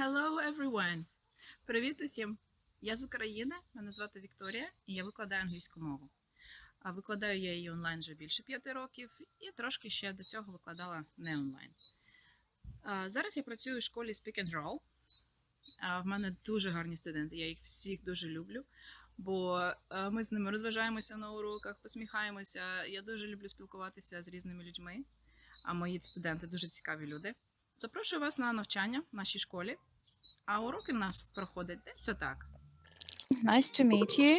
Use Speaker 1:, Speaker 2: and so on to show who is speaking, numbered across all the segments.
Speaker 1: Hello everyone! Привіт усім! Я з України, мене звати Вікторія, і я викладаю англійську мову. А викладаю я її онлайн вже більше 5 років, і трошки ще до цього викладала не онлайн. Зараз я працюю у школі Speak and Roll. В мене дуже гарні студенти, я їх всіх дуже люблю, бо ми з ними розважаємося на уроках, посміхаємося. Я дуже люблю спілкуватися з різними людьми, а мої студенти дуже цікаві люди. Запрошую вас на навчання в нашій школі, а уроки в нас проходять десь отак.
Speaker 2: Nice to meet you.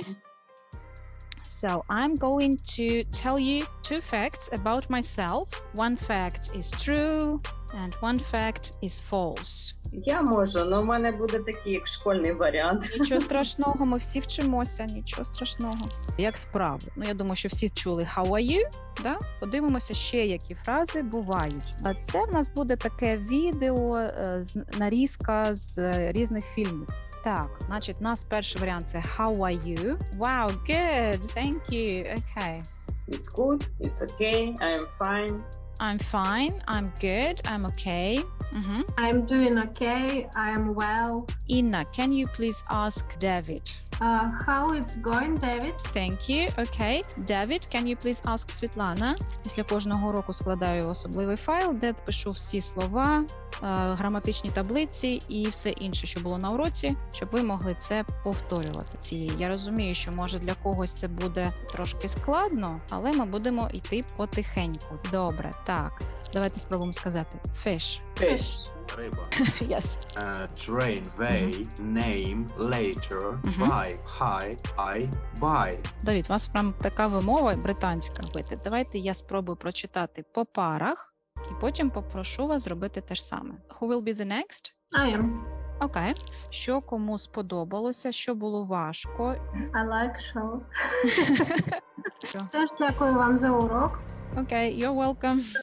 Speaker 2: So I'm going to tell you 2 facts about myself. One fact is true and one fact is false.
Speaker 3: Я можу, але в мене буде такий, як школьний варіант.
Speaker 2: Нічого страшного, ми всі вчимося, нічого страшного. Як справи? Ну, я думаю, що всі чули how are you? Да? Подивимося ще, які фрази бувають. А це в нас буде таке відео, нарізка з різних фільмів. Так, значить, у нас перший варіант – це how are you? Wow, good, thank you, okay.
Speaker 3: It's good, it's okay, I'm fine.
Speaker 2: I'm fine, I'm good, I'm okay.
Speaker 4: I'm doing okay. I am well.
Speaker 2: Inna, can you please ask David?
Speaker 4: How it's going, David?
Speaker 2: Thank you. Okay. David, can you please ask Світлана? Після кожного уроку складаю особливий файл, де пишу всі слова, граматичні таблиці і все інше, що було на уроці, щоб ви могли це повторювати. Я розумію, що може для когось це буде трошки складно, але ми будемо йти потихеньку. Добре, так. Давайте спробуємо сказати. Fish.
Speaker 4: Fish.
Speaker 5: Риба.
Speaker 2: Yes.
Speaker 5: Train, way, name, later, buy, high, I, buy.
Speaker 2: Давід, у вас прям така вимова британська. Давайте я спробую прочитати по парах, і потім попрошу вас зробити те ж саме. Who will be the next?
Speaker 4: I am.
Speaker 2: Окей. Що кому сподобалося, що було важко?
Speaker 4: I like show.
Speaker 2: Все.
Speaker 4: Теж дякую вам за урок.
Speaker 2: Окей, you're welcome.